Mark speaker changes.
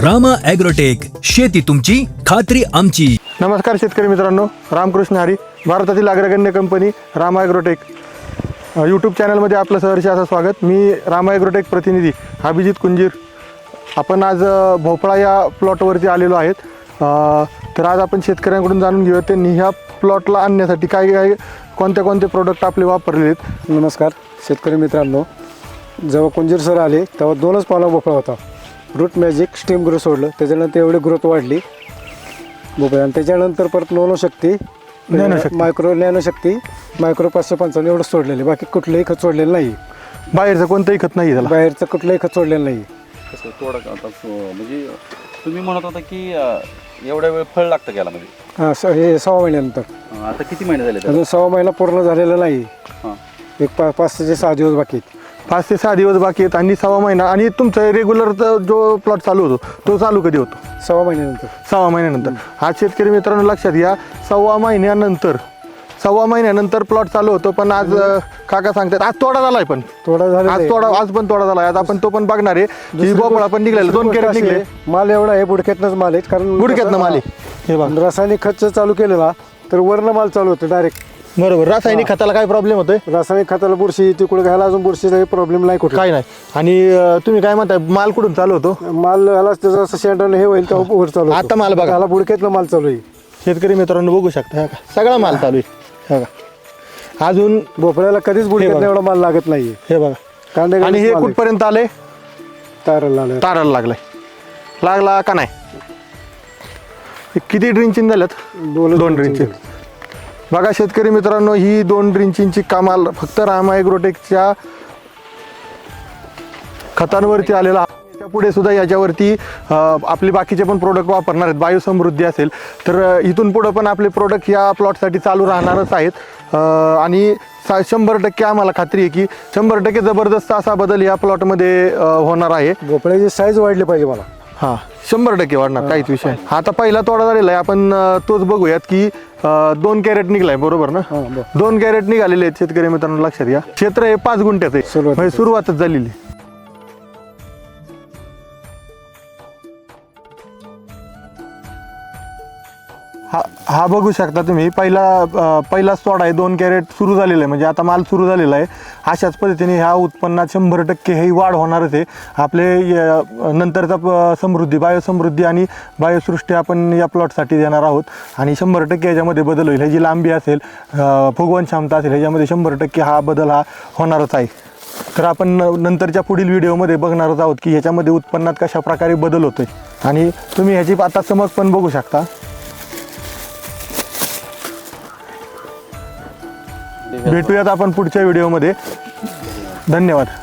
Speaker 1: Rama agrotech, शेती तुमची खात्री आमची.
Speaker 2: नमस्कार शेतकरी मित्रांनो, रामकृष्ण हरी. भारतातील अग्रगण्य कंपनी रामा ॲग्रोटेक यूट्यूब चॅनलमध्ये आपलं सहर्ष असं स्वागत. मी रामा ॲग्रोटेक प्रतिनिधी अभिजित कुंजीर. आपण आज भोपळा या प्लॉटवरती आलेलो आहेत. तर आज आपण शेतकऱ्यांकडून जाणून घेऊया त्यांनी ह्या प्लॉटला आणण्यासाठी काय कोणते प्रोडक्ट आपले वापरलेले आहेत.
Speaker 3: नमस्कार शेतकरी मित्रांनो, जेव्हा कुंजीर सर आले तेव्हा 2च पावला भोपळा होता. रूट मॅजिक स्टीम ग्रो सोडलं, त्याच्यानंतर एवढी ग्रोथ वाढली भोपळा. आणि त्याच्यानंतर परत नॅनोशक्ती मायक्रो 555 एवढं सोडलेलं, बाकी कुठलंही खत सोडलेलं नाही.
Speaker 2: बाहेरचं कोणतंही खत नाही त्याला,
Speaker 3: बाहेरचं कुठलंही खत सोडलेलं नाही.
Speaker 4: कसं थोडं आता म्हणजे तुम्ही म्हणत होता की एवढ्या वेळ फळ लागतं त्याला म्हणजे
Speaker 3: हां, हे 6 महिन्यानंतर.
Speaker 4: आता किती महिने झाले
Speaker 3: अजून 6 महिना पूर्ण झालेला नाही.
Speaker 4: हां,
Speaker 3: एक 5 ते 6 दिवस बाकी आहेत.
Speaker 2: 5 ते 6 दिवस बाकी आहेत आणि 6वा महिना. आणि तुमचा रेग्युलर जो प्लॉट चालू होतो तो चालू कधी होतो?
Speaker 3: 6 महिन्यानंतर.
Speaker 2: 6 महिन्यानंतर. आज शेतकरी मित्रांनो लक्षात घ्या, 6 महिन्यानंतर प्लॉट चालू होतो. पण आज काका सांगतात आज तोडा झालाय, पण आज पण तोडा झालाय. आज आपण तो पण बघणार आहे की भोपळा पण निघलेला, 2 कॅरेट निघले.
Speaker 3: माल एवढा आहे, बुडक्यातनंच माल आहे. कारण
Speaker 2: बुडक्यातनं माल आहे. हे बघा,
Speaker 3: रासायनिक खत चालू केलेला तर वरनं माल चालू होतं डायरेक्ट.
Speaker 2: बरोबर. रासायनिक खताला काय प्रॉब्लेम होतोय?
Speaker 3: रासायनिक खताला बुरशी तिकडे घ्यायला अजून बुरशीचा प्रॉब्लेम नाही कुठे,
Speaker 2: काय नाही. आणि तुम्ही काय म्हणताय, माल कुठून चालू होतो?
Speaker 3: माल याला जसं शेंडाने हे होईल तेव्हा वर चालू
Speaker 2: आता माल बघा,
Speaker 3: याला बुडक्यातलं माल चालू आहे.
Speaker 2: शेतकरी मित्रांनो बघू शकता, हे बघा, सगळा माल चालू आहे. हे बघा, अजून
Speaker 3: भोपळ्याला कधीच बुडक्यात एवढा माल लागत नाहीये.
Speaker 2: हे बघा.
Speaker 3: कांदे
Speaker 2: आणि हे कुठपर्यंत आले?
Speaker 3: ताराला
Speaker 2: ताराला लागला का नाही? हे किती ड्रिंचिंग झाल्यात? 2 ड्रिंचिंग. बघा शेतकरी मित्रांनो, ही 2 ड्रिंचिंगची कमाल फक्त रामा ॲग्रोटेकच्या खतांवरती आलेला. पुढे सुद्धा याच्यावरती आपले बाकीचे पण प्रोडक्ट वापरणार आहेत. बायोसमृद्धी असेल तर इथून पुढं पण आपले प्रोडक्ट या प्लॉटसाठी चालू राहणारच आहेत. आणि 100% आम्हाला खात्री आहे की 100% जबरदस्त असा बदल या प्लॉटमध्ये होणार आहे.
Speaker 3: भोपळ्याची साईज वाढली पाहिजे मला.
Speaker 2: हां, 100% वाढणार, काहीच विषय नाही. आता पहिला तोडा झालेला आहे, आपण तोच बघूयात की 2 कॅरेट निघलाय, बरोबर ना? 2 कॅरेट निघालेले आहेत शेतकरी मित्रांनो, लक्षात घ्या. क्षेत्र हे 5 गुंठ्याचं आहे, म्हणजे सुरुवातच झालेली. हा बघू शकता तुम्ही, पहिलाच तोडा आहे. 2 कॅरेट सुरू झालेलं आहे, म्हणजे आता माल सुरू झालेला आहे. अशाच पद्धतीने ह्या उत्पन्नात 100% ही वाढ होणारच आहे. आपले नंतरचा समृद्धी, बायोसमृद्धी आणि बायोसृष्टी आपण या प्लॉटसाठी देणार आहोत. आणि 100% याच्यामध्ये बदल होईल. ह्याची लांबी असेल, फुगवण क्षमता असेल, ह्याच्यामध्ये 100% हा बदल होणारच आहे. तर आपण नंतरच्या पुढील व्हिडिओमध्ये बघणारच आहोत की ह्याच्यामध्ये उत्पन्नात कशा प्रकारे बदल होतोय. आणि तुम्ही ह्याची आता चमक पण बघू शकता. भेटूयात आपण पुढच्या व्हिडिओमध्ये. धन्यवाद.